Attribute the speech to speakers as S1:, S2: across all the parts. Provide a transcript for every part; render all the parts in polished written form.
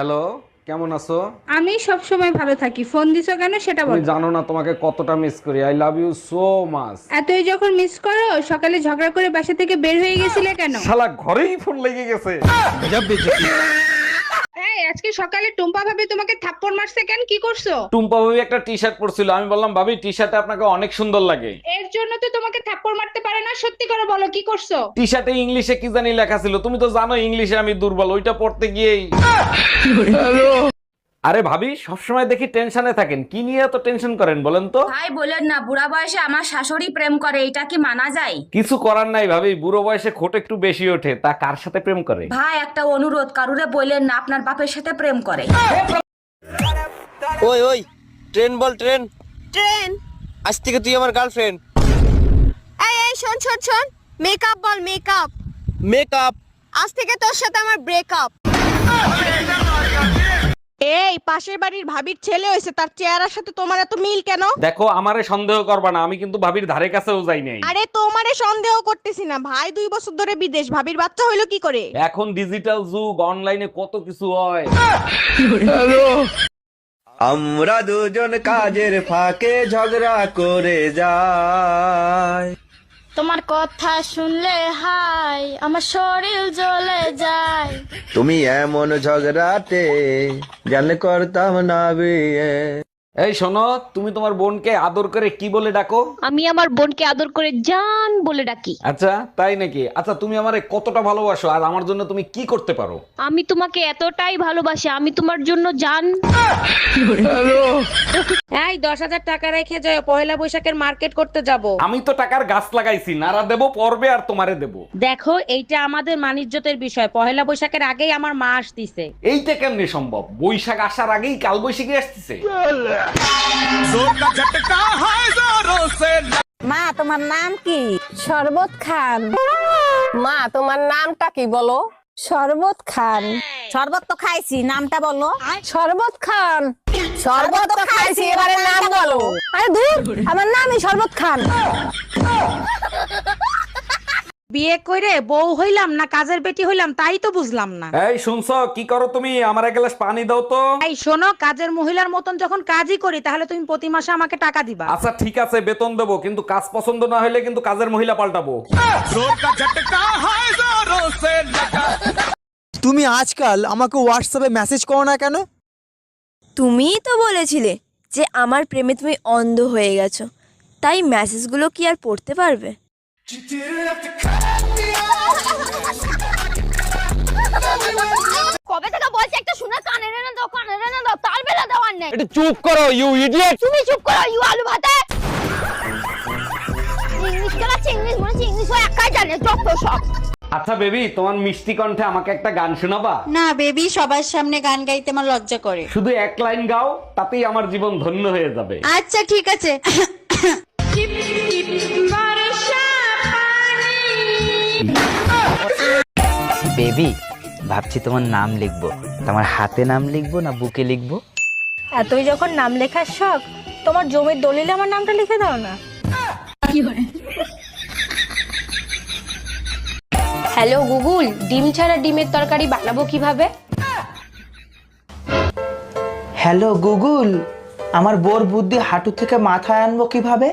S1: Hello, কেমন আছো?
S2: আমি সব সময় ভালো থাকি, ফোন দিছো কেন সেটা
S1: তুমি
S2: বলো।
S1: জানো না তোমাকে কতটা মিস করি। I love you so much.
S2: এতই যখন মিস করো, সকালে ঝগড়া করে বাসা থেকে বের হয়ে গেছিলে কেন?
S1: শালা ঘরেই ফোন লেগে গেছে।
S2: এই আজকে সকালে টুম্পা ভাবি তোমাকে থাপ্পড় মারছে কেন, কি করছো?
S1: টুম্পা ভাবি একটা টি শার্ট পরছিল, আমি বললাম ভাবি টি শার্টে আপনাকে অনেক সুন্দর লাগে।
S2: এর জন্য তো তোমাকে থাপ্পড় মারতে পারে না, সত্যি করে বলো কি করছো?
S1: টি শার্টে ইংলিশে কি জানি লেখা ছিল, তুমি তো জানো ইংলিশে আমি দুর্বল, ওইটা পড়তে গিয়েই। আরে ভাবি, সবসময় দেখি টেনশনে থাকেন, কি নিয়ে এত টেনশন করেন বলেন তো?
S3: ভাই বলেন না, বুড়া বয়সে আমার শাশুড়ি প্রেম করে, এটা কি মানা যায়?
S1: কিছু করার নাই ভাবি, বুড়ো বয়সে খোট একটু বেশি ওঠে, তা কার সাথে প্রেম করে?
S3: ভাই একটা অনুরোধ, কারুরে বললেন না আপনার বাপের সাথে প্রেম করে।
S4: ওই ওই ট্রেন বল, ট্রেন।
S5: ট্রেন।
S4: আজ থেকে তুই আমার গার্লফ্রেন্ড।
S5: এই শোন শোন শোন, মেকআপ বল, মেকআপ।
S4: মেকআপ।
S5: আজ থেকে তোর সাথে আমার ব্রেকআপ। এই পাশের বাড়ির ভাবির ছেলে হয়েছে, তার চেহারার সাথে তোমার এত মিল কেন?
S1: দেখো, আমারে সন্দেহ করবা না, আমি কিন্তু ভাবির ধারে কাছেও যাই নাই।
S5: আরে তোমারে সন্দেহ করতেছি না, ভাই 2 বছর ধরে বিদেশ, ভাবির বাচ্চা হইলো কি করে?
S1: এখন ডিজিটাল যুগ, অনলাইনে কত কিছু হয়।
S4: আমরা দুজন কাজের ফাঁকে ঝগড়া করে যাই।
S6: তোমার কথা শুনলে হাই আমার শরীর জ্বলে যায়।
S4: তুমি এমন ঝগড়াতে জানলে করতাম না বিয়ে।
S1: এই শোনো, তুমি তোমার বোনকে আদর করে কি বলে ডাকো?
S6: আমি আমার বোনকে আদর করে জান বলে ডাকি।
S1: আচ্ছা তাই নাকি? আচ্ছা তুমি আমারে কতটা ভালোবাসো আর আমার জন্য তুমি কি করতে পারো?
S6: আমি তোমাকে এতটাই ভালোবাসি, আমি তোমার জন্য জান।
S2: এই 10,000 টাকা রেখে যাও, পয়লা বৈশাখের মার্কেট করতে যাব।
S1: আমি তো টাকার গাছ লাগাইছি, নারা দেবো পর্বে আর তোমারে দেবো।
S2: দেখো, এইটা আমাদের মানিজ্যতের বিষয়, পয়লা বৈশাখের আগেই আমার মা আসতিছে।
S1: এইটা কেমনে সম্ভব? বৈশাখ আসার আগেই কাল বৈশাখী আসতেছে।
S5: মা তোমার নাম কি? শরবত খান। মা তোমার নামটা কি বলো? শরবত খান। শরবত তো খাইছি, নামটা বলো। শরবত খান। শরবত তো খাইছি, এবারে নাম বলো। আরে দূর, আমার নামই শরবত খান।
S2: বিয়ে করে বউ হইলাম না কাজের বেটি হইলাম তাই তো বুঝলাম না।
S1: এই শুনছো, কি করো তুমি? আমার এক গ্লাস পানি দাও তো।
S2: এই শোনো, কাজের মহিলার মতন যখন কাজই করি তাহলে তুমি প্রতি মাসে আমাকে টাকা দিবা।
S1: আচ্ছা ঠিক আছে, বেতন দেবো, কিন্তু কাজ পছন্দ না হলে কিন্তু কাজের মহিলা পাল্টাবো।
S7: তুমি আজকাল আমাকে হোয়াটসঅ্যাপে মেসেজ করো না কেন?
S8: তুমিই তো বলেছিলে যে আমার প্রেমে তুমি অন্ধ হয়ে গেছো, তাই মেসেজগুলো কি আর পড়তে পারবে?
S6: কবে থেকে বলছি একটা শুনে কানে রে না দাও, কানে রে না দাও, তার বেলা দেওয়ার নেই।
S1: একটু চুপ করো ইউ ইডিয়েট।
S6: তুমি চুপ করো ইউ আলু ভাতে। ইংলিশ কেলাচ্ছে, ইংলিশ বলেছি, ইংলিশ ও একাই জানে যত সব।
S1: আচ্ছা বেবি, তোমার মিষ্টি কণ্ঠে আমাকে একটা গান শোনাবা?
S9: না বেবি, সবার সামনে গান গাইতে আমার লজ্জা করে।
S1: শুধু এক লাইন গাও, তাতেই আমার জীবন ধন্য হয়ে যাবে।
S9: আচ্ছা ঠিক আছে।
S10: বেবি, ভাবছি তোমার নাম লিখবো। তোমার হাতে নাম লিখবো না বুকে লিখবো?
S8: এতই যখন নাম লেখার শখ, তোমার জমির দলিলে আমার নামটা লিখে দাও না। হ্যালো গুগল, ডিম ছাড়া ডিমের তরকারি বানাবো কিভাবে?
S10: হ্যালো গুগল, আমার বোর বুদ্ধি হাঁটু থেকে মাথায় আনবো কিভাবে?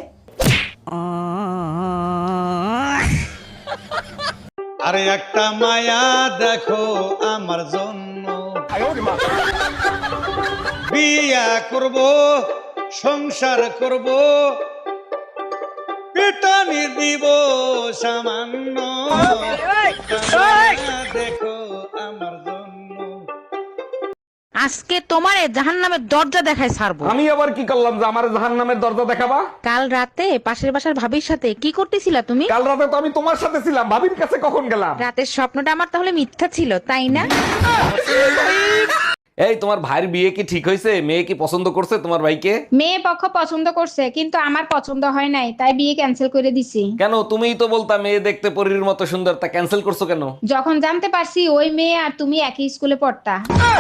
S11: আরে একটা মায়া দেখো আমার জন্য, বিয়া করব, সংসার করব, পিটানি দিব সামান্য, দেখো আমার জন্য।
S2: আজকে তোমারে জাহান্নামের দরজা দেখায় ছাড়বো।
S1: আমি আবার কি করলাম যে আমার জাহান্নামের দরজা দেখাবা?
S2: কাল রাতে পাশের বাসার ভাবির সাথে কি করতেছিলা তুমি?
S1: কাল রাতে তো আমি তোমার সাথে ছিলাম, ভাবির কাছে কখন গেলাম?
S2: রাতের স্বপ্নটা আমার তাহলে মিথ্যা ছিল, তাই না?
S1: এই তোমার ভাইয়ের বিয়ে কি ঠিক হয়েছে? মেয়ে কি পছন্দ করছে তোমার ভাইকে?
S2: মেয়ে পক্ষ পছন্দ করছে, কিন্তু আমার পছন্দ হয় নাই, তাই বিয়ে ক্যান্সেল করে দিছি।
S1: কেন? তুমিই তো বলতা মেয়ে দেখতে পরীর মতো সুন্দর, তা ক্যান্সেল করছো কেন?
S2: যখন জানতে পারছি ওই মেয়ে আর তুমি একই স্কুলে পড়তা।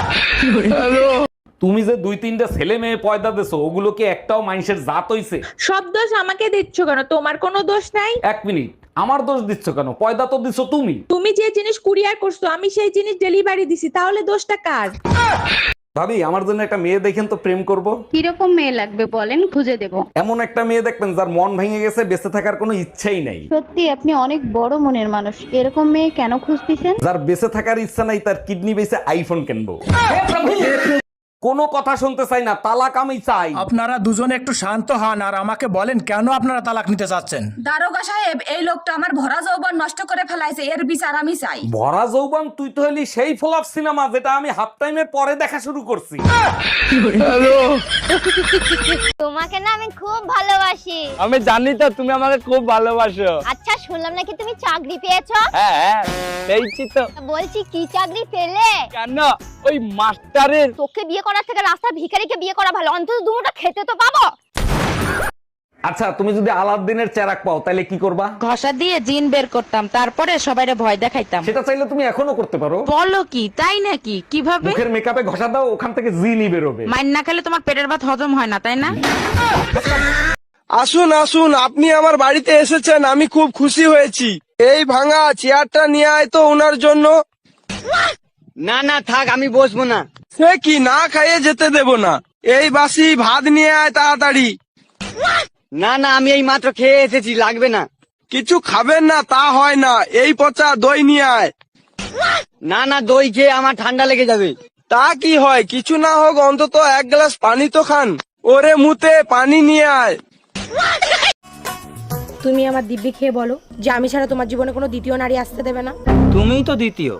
S1: তুমি যে 2-3টা ছেলে মেয়ে পয়দা দেছো, ওগুলো কি একটাও মানুষের জাত হইছে?
S2: সব দোষ আমাকে দিচ্ছ কেন? তোমার কোনো দোষ নাই।
S1: 1 মিনিট, আমার দোষ দিচ্ছ কেন? পয়দা তো দিছো তুমি।
S2: তুমি যে জিনিস কুরিয়ার করছো আমি সেই জিনিস ডেলিভারি দিছি, তাহলে দোষটা কার?
S1: ভাবি, আমার জন্য একটা মেয়ে দেখেন তো, প্রেম করব।
S6: কিরকম মেয়ে লাগবে বলেন, খুঁজে দেব।
S1: এমন একটা মেয়ে দেখবেন যার মন ভেঙে গেছে, বেঁচে থাকার কোনো ইচ্ছাই নাই।
S6: সত্যি আপনি অনেক বড় মনের মানুষ, এরকম মেয়ে কেন খুঁজতেছেন?
S1: যার বেঁচে থাকার ইচ্ছা নাই, তার কিডনি বেঁচে আইফোন কিনবো। কোনো কথা শুনতে চাই না, তালাক আমি চাই।
S11: আপনারা দুজনে একটু শান্ত হন আর আমাকে বলেন কেন আপনারা তালাক নিতে চাচ্ছেন।
S3: দারোগা সাহেব, এই লোকটা আমার ভরা যৌবন নষ্ট করে ফেলাইছে, এর বিচার আমি চাই।
S1: ভরা যৌবন? তুই তো হলি সেই ফ্লপ সিনেমা যেটা আমি হাফ টাইমের পরে দেখা শুরু করছি।
S6: তোমাকে না আমি খুব ভালোবাসি।
S4: আমি জানি তো তুমি আমাকে খুব ভালোবাসো।
S6: আচ্ছা, শুনলাম নাকি তুমি চাকরি পেয়েছো?
S4: হ্যাঁ, পেয়েছি তো।
S6: বলছি কি চাকরি পেলে?
S4: কেন? ওই মাস্টারের।
S6: তোকে বিয়ে করার থেকে রাস্তার ভিখারিকে বিয়ে করা ভালো, অন্তত দুটো খেতে তো পাবো।
S1: আচ্ছা, তুমি যদি আলাদিনের চেরাক পাও তাহলে কি করবা?
S2: ঘষা দিয়ে জিন বের করতাম, তারপরে সবাইরে ভয় দেখাইতাম।
S1: সেটা চাইলে তুমি এখনো করতে পারো।
S2: বলো কি, তাই নাকি? কিভাবে?
S1: মুখের মেকআপে ঘষা দাও, ওখান থেকে জিনই বেরোবে।
S2: মাইন না খেলে তোমার পেটের ভাত হজম হয় না, তাই না?
S4: আসুন আসুন, আপনি আমার বাড়িতে এসেছেন, আমি খুব খুশি হয়েছি। এই ভাঙা চেয়ারটা নিয়ে আয় তো ওনার জন্য। না না থাক, আমি বসবো না। সে কি, না খাইয়ে যেতে দেব না। এই বাসি ভাত নিয়ে আয় তাড়াতাড়ি। না না, আমি এই মাত্র খেয়ে এসেছি, লাগবে না। কিছু খাবেন না তা হয় না, এই পচা দই নিয়ে আয়। না না, দই খেয়ে আমার ঠান্ডা লেগে যাবে। তা কি হয়, কিছু না হোক অন্তত এক গ্লাস পানি তো খান। ওরে মুতে পানি নিয়ে আয়।
S2: তুমি আমার দিব্যি খেয়ে বলো যে আমি ছাড়া তোমার জীবনে কোনো দ্বিতীয় নারী আসতে দেবে না।
S10: তুমিই তো দ্বিতীয়।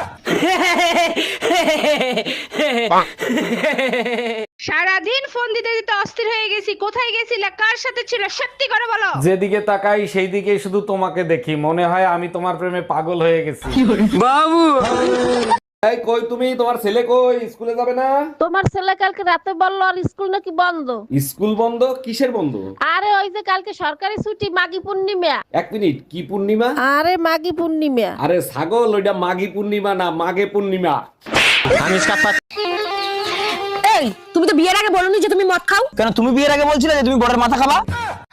S2: সারাদিন ফোন দিতে দিতে অস্থির হয়ে গেছি। কোথায় গেছিলে, কার সাথে ছিল, সত্যি করে বলো।
S1: যেদিকে তাকাই সেই দিকে শুধু তোমাকে দেখি, মনে হয় আমি তোমার প্রেমে পাগল হয়ে গেছি।
S4: বাবু,
S1: এই কই তুমি? তোমার ছেলে কই? স্কুলে যাবে না?
S5: তোমার ছেলে কালকে রাতে বললো আর স্কুল নাকি বন্ধ।
S1: স্কুল বন্ধ? কিসের বন্ধ?
S5: আরে ওই যে কালকে সরকারি ছুটি, মাঘী পূর্ণিমা।
S1: এক মিনিট, কি পূর্ণিমা?
S5: আরে মাঘী পূর্ণিমা।
S1: আরে ছাগল, ওইটা মাঘী পূর্ণিমা না, মাঘে পূর্ণিমা।
S2: এই, তুমি তো বিয়ের আগে বলোনি যে তুমি মদ খাও।
S10: কেন, তুমি বিয়ের আগে বলছিলে যে তুমি বড়ের মাথা খাবা?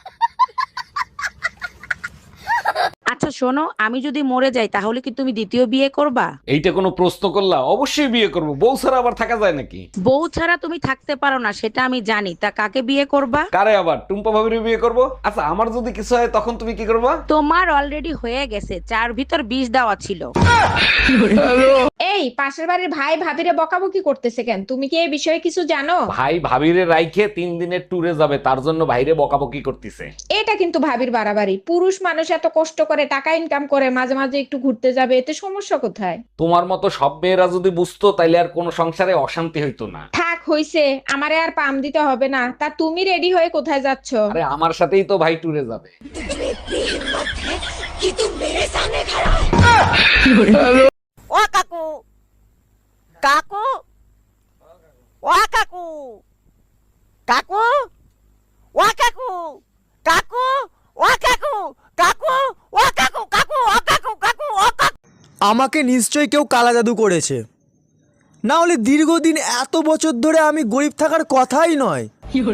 S2: আচ্ছা শোনো, আমি যদি মরে যাই তাহলে কি তুমি দ্বিতীয় বিয়ে করবা?
S1: এইটা কোনো প্রশ্ন করলা? অবশ্যই বিয়ে করব। বউ ছাড়া আবার থাকা যায় নাকি?
S2: বউ ছাড়া তুমি থাকতে পারো না, সেটা আমি জানি। তা কাকে বিয়ে করবা?
S1: কারে আবার? টুম্পা ভাবির বিয়ে করব। আচ্ছা, আমার যদি কিছু হয় তখন তুমি কি করবা?
S2: তোমার অলরেডি হয়ে গেছে, চার ভিতর 20 দেওয়া ছিল। এই পাশের বাড়ির ভাই ভাবিরে বকাবকি করতেছে কেন? তুমি কি এই বিষয়ে কিছু জানো?
S1: ভাই ভাবিরে রাইখে 3 দিনের ট্যুরে যাবে, তার জন্য ভাইরে বকাবকি করতেছে।
S2: এটা কিন্তু ভাবির বাড়াবাড়ি। পুরুষ মানুষ এত কষ্ট করে টাকা ইনকাম করে, মাঝে মাঝে একটু ঘুরতে যাবে, এতে সমস্যা কোথায়?
S1: তোমার মতো সব মেয়েরা যদি বুঝতো তাইলে আর কোনো সংসারে অশান্তি হইতো না।
S2: থাক হইছে, আমারে আর পাম দিতে হবে না। তা তুমি রেডি হয়ে কোথায় যাচ্ছ?
S1: আরে আমার সাথেই তো ভাই ট্যুরে যাবে।
S5: ও কাকু, কাকু, ও কাকু, কাকু, ও কাকু, কাকু, ও কাকু, কাকু, ও কাকু, কাকু, ও কাকু, কাকু, ও কাকু।
S7: আমাকে নিশ্চয়ই কেউ কালা জাদু করেছে, না হলে দীর্ঘদিন এত বছর ধরে আমি গরিব থাকার কথাই নয়।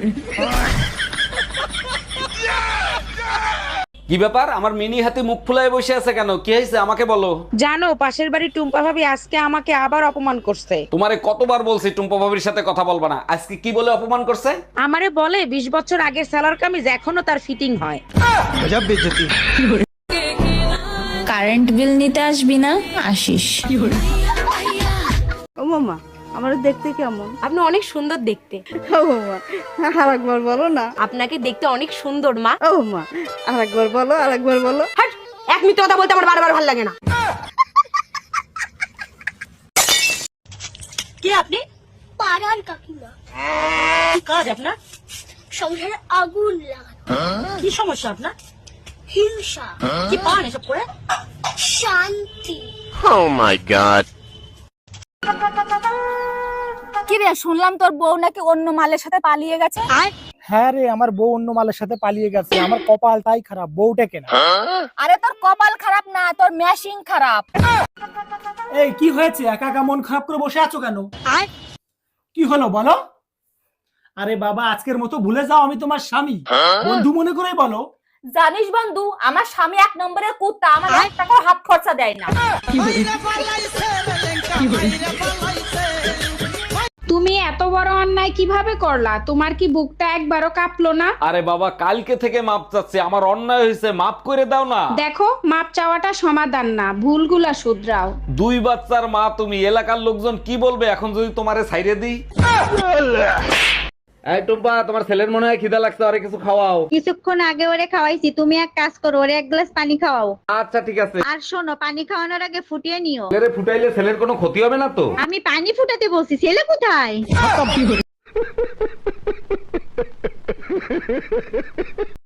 S1: কি ব্যাপার? আমার মিনি হাতে মুখ ফুলায় বসে আছে কেন? কি হয়েছে আমাকে বলো।
S2: জানো, পাশের বাড়ির টুম্পা ভাবি আজকে আমাকে আবার অপমান করছে।
S1: তোমারে কতবার বলছি টুম্পা ভাবির সাথে কথা বলবা না। আজকে কি বলে অপমান করছে?
S2: আমারে বলে 20 বছর আগের সালোয়ার কামিজ এখনো তার ফিটিং হয়।
S6: কারেন্ট বিল নিতে আসবি না? আসিস।
S5: ও মামা, আমার দেখতে কেমন?
S2: আপনি অনেক সুন্দর দেখতে।
S5: ও মামা, আরেকবার বলো না।
S2: আপনাকে দেখতে অনেক সুন্দর মা।
S5: ও মা, আরেকবার বলো, আরেকবার বলো।
S2: হাট, এক মিনিট কথা বলতে আমার বারবার ভালো লাগে না।
S6: কে আপনি? পাড়ার কাকিমা। কি কাজ আপনার? সংসারে আগুন লাগানো। কি সমস্যা আপনার? হিংসা। কি পান এসব করে? শান্তি।
S5: কি রে, শুনলাম তোর বউ নাকি অন্য মালের সাথে পালিয়ে গেছে।
S11: হ্যাঁ রে, আমার বউ অন্য মালের সাথে পালিয়ে গেছে। আমার কপালটাই খারাপ, বউটা কেনা।
S5: আরে তোর কপাল খারাপ না, তোর ম্যাশিং খারাপ।
S11: এই কি হয়েছে? একা একা মন খারাপ করে বসে আছো কেন? কি হলো বলো? আরে বাবা, আজকের মতো ভুলে যাও আমি তোমার স্বামী। বন্ধু মনে করেই বলো।
S5: জানিস বন্ধু, আমার স্বামী 1 নম্বরের কুত্তা, আমার 1 টাকাও হাত খরচা দেয় না।
S2: তুমি এত বড় অন্যায় কিভাবে করলা? তোমার কি বুকটা একবারও কাঁপলো না?
S1: আরে বাবা, কালকে থেকে মাপ চাচ্ছি, আমার অন্যায় হয়েছে, মাপ করে দাও না।
S2: দেখো, মাপ চাওয়াটা সমাধান না, ভুলগুলা শুধরাও।
S1: 2 বাচ্চার মা তুমি, এলাকার লোকজন কি বলবে এখন যদি তোমারে ছাইরে দিই? এই টুম্পা, তোমার ছেলের মনে হয় খিদা লাগছে, আরে কিছু খাওয়াও।
S9: কিছুক্ষণ আগে ওরে খাওয়াইছি, তুমি এক কাজ করো, ওরে 1 গ্লাস পানি খাওয়াও।
S1: আচ্ছা ঠিক আছে।
S9: আর শোনো, পানি খাওয়ানোর আগে ফুটিয়ে নিও।
S1: ছেলেরে ফুটাইলে ছেলের কোনো ক্ষতি হবে না তো?
S9: আমি পানি ফুটাতে বলছি, ছেলে কোথায়?